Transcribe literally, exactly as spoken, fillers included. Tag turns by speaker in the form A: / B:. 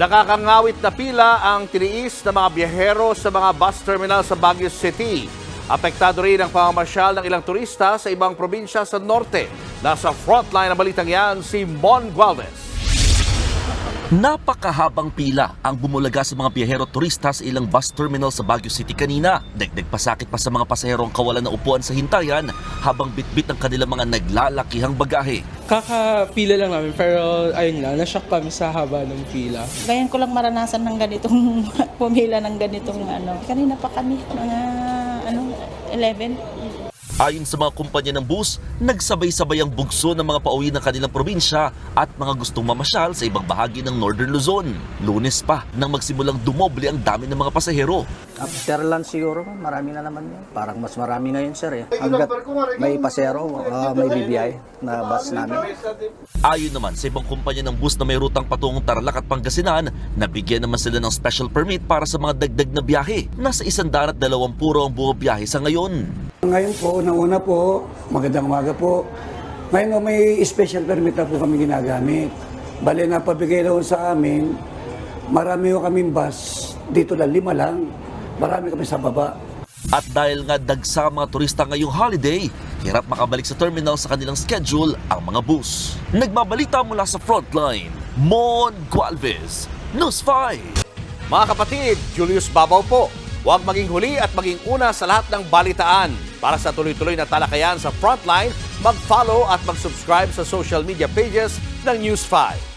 A: Nakakangawit na pila ang tiniis ng mga biyahero sa mga bus terminal sa Baguio City. Apektado rin ang pamamasyal ng ilang turista sa ibang probinsya sa norte. Nasa frontline ng balitang yan si Mon Gualvez.
B: Napakahabang pila ang bumulaga sa mga biyahero turista sa ilang bus terminal sa Baguio City kanina. Dagdag pasakit pa sa mga pasahero ang kawalan ng upuan sa hintayan habang bitbit ang kanilang mga naglalakihang bagahe.
C: Kakapila lang namin pero ayun lang, nashock kami sa haba ng pila.
D: Ngayon ko lang maranasan ng ganitong pumila ng ganitong ano. Kanina pa kami, mga ano, eleven.
B: Ayon sa mga kumpanya ng bus, nagsabay-sabay ang bugso ng mga pauwi ng kanilang probinsya at mga gustong mamasyal sa ibang bahagi ng Northern Luzon. Lunes pa nang magsimulang dumoble ang dami ng mga pasahero.
E: After lunch siguro, marami na naman yun. Parang mas marami ngayon, sir. Eh. Hanggat may pasero, uh, may B B I na bus namin.
B: Ayon naman sa ibang kumpanya ng bus na may rutang patungong Tarlac at Pangasinan, nabigyan naman sila ng special permit para sa mga dagdag na biyahe. Nasa isang darat dalawang puro ang buo biyahe sa ngayon.
F: Ngayon po, una po, magandang umaga po. Ngayon may special permit na po kami ginagamit. Bale na pabigay daw sa amin, marami ko kaming bus, dito lang lima lang, marami kami sa baba.
B: At dahil nga dagsa mga turista ngayong holiday, hirap makabalik sa terminal sa kanilang schedule ang mga bus. Nagbabalita mula sa frontline, Mon Gualvez, News five.
A: Mga kapatid, Julius Babaw po. Huwag maging huli at maging una sa lahat ng balitaan. Para sa tuloy-tuloy na talakayan sa Frontline, mag-follow at mag-subscribe sa social media pages ng News five.